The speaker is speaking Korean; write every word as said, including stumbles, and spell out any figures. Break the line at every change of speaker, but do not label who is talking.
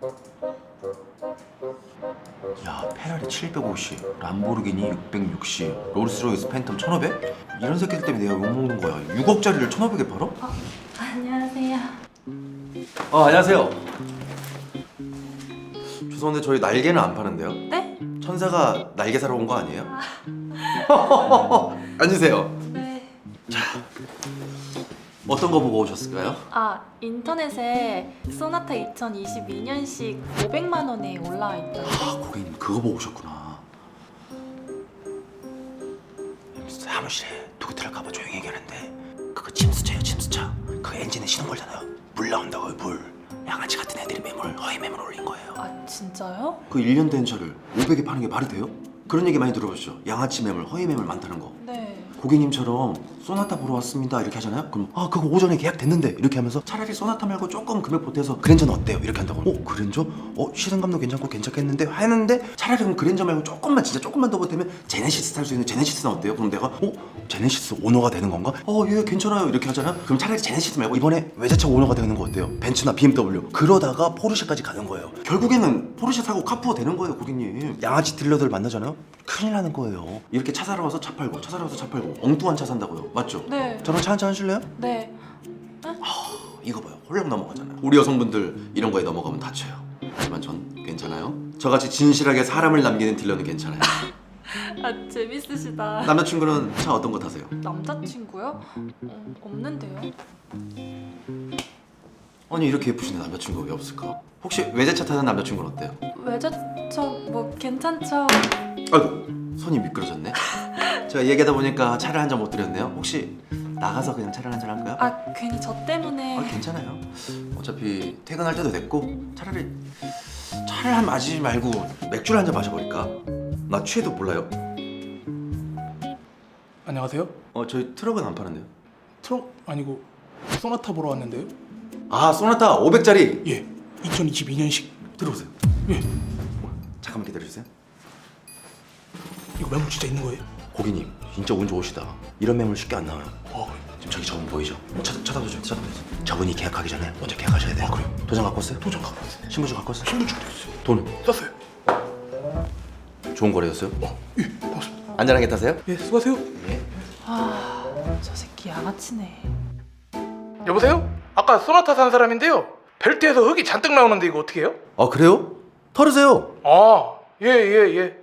야, 페라리 칠백오십, 람보르기니 육백육십, 롤스로이스 팬텀 천오백? 이런 새끼들 때문에 내가 욕먹는 거야. 육억짜리를 천오백에 팔아?
어, 안녕하세요.
어, 안녕하세요. 죄송한데 저희 날개는 안 파는데요?
네?
천사가 날개 사러 온 거 아니에요? 앉으세요.
네.
어떤 거 보고 오셨을까요?
아, 인터넷에 소나타 이천이십이 년식 오백만 원에 올라와 있던데.
아, 고객님 그거 보고 오셨구나. 사무실에 누구 들어가봐 조용히 얘기하는데 그거 침수차예요, 침수차. 그 엔진에 신은 거잖아요. 물 나온다고요, 물. 양아치 같은 애들이 매물, 허위 매물 올린 거예요.
아, 진짜요?
그 일 년 된 차를 오백에 파는 게 말이 돼요? 그런 얘기 많이 들어보셨죠? 양아치 매물, 허위 매물 많다는 거.
네.
고객님처럼 소나타 보러 왔습니다 이렇게 하잖아요? 그럼 아 그거 오전에 계약됐는데 이렇게 하면서 차라리 소나타 말고 조금 금액 보태서 그랜저는 어때요? 이렇게 한다고. 어? 그랜저? 어? 시승감도 괜찮고 괜찮겠는데? 하는데 차라리 그럼 그랜저 말고 조금만 진짜 조금만 더 보태면 제네시스 탈 수 있는 제네시스는 어때요? 그럼 내가 어? 제네시스 오너가 되는 건가? 어 예 괜찮아요 이렇게 하잖아? 그럼 차라리 제네시스 말고 이번에 외제차 오너가 되는 거 어때요? 벤츠나 비엠더블유 그러다가 포르쉐까지 가는 거예요. 결국에는 포르쉐 사고 카푸어 되는 거예요 고객님. 양아치 딜러들 만나잖아요? 큰일 나는 거예요. 이렇게 차 사러 와서 차 팔고 차 사러 와서 차 팔고 엉뚱한 차 산다고요. 맞죠?
네.
저랑 차 한잔 하실래요?
네.
이거 봐요. 홀랑 넘어가잖아요. 우리 여성분들 이런 거에 넘어가면 다쳐요. 하지만 전 괜찮아요. 저같이 진실하게 사람을 남기는 딜러는 괜찮아요.
아, 재밌으시다.
남자친구는 차 어떤 거 타세요?
남자친구요? 어, 없는데요.
아니 이렇게 예쁘신 남자친구가 왜 없을까? 혹시 외제차 타는 남자친구는 어때요?
외제차 뭐 괜찮죠?
아이고 손이 미끄러졌네. 제가 얘기하다 보니까 차를 한 잔 못 드렸네요. 혹시 나가서 그냥 차를 한잔 할까요?
아, 괜히 저 때문에.
아 괜찮아요. 어차피 퇴근할 때도 됐고 차라리 차를 한 마시지 말고 맥주를 한 잔 마셔버릴까? 나 취해도 몰라요.
안녕하세요.
어 저희 트럭은 안 파는데요.
트럭 아니고 소나타 보러 왔는데요.
아 소나타 오백짜리
예, 이천이십이 년식.
들어오세요.
예,
잠깐만 기다려주세요.
이거 매물 진짜 있는 거예요?
고객님 진짜 운 좋으시다. 이런 매물 쉽게 안 나와요.
어,
지금 저기 저분 보이죠? 쳐, 쳐다보죠 쳐다보죠. 저분이 계약하기 전에 먼저 계약하셔야 돼요.
아, 그래요?
도장 갖고 왔어요?
도장 갖고 왔어요.
신분증 갖고 왔어요?
신분증 됐어요.
돈은?
썼어요.
좋은 거래였어요?
어, 예, 고맙습니다.
안전하게 타세요?
예, 수고하세요.
예.
아, 저 새끼 양아치네.
여보세요? 아까 소나타 산 사람인데요. 벨트에서 흙이 잔뜩 나오는데 이거 어떻게 해요?
아 그래요? 털으세요.
아, 예, 예, 예.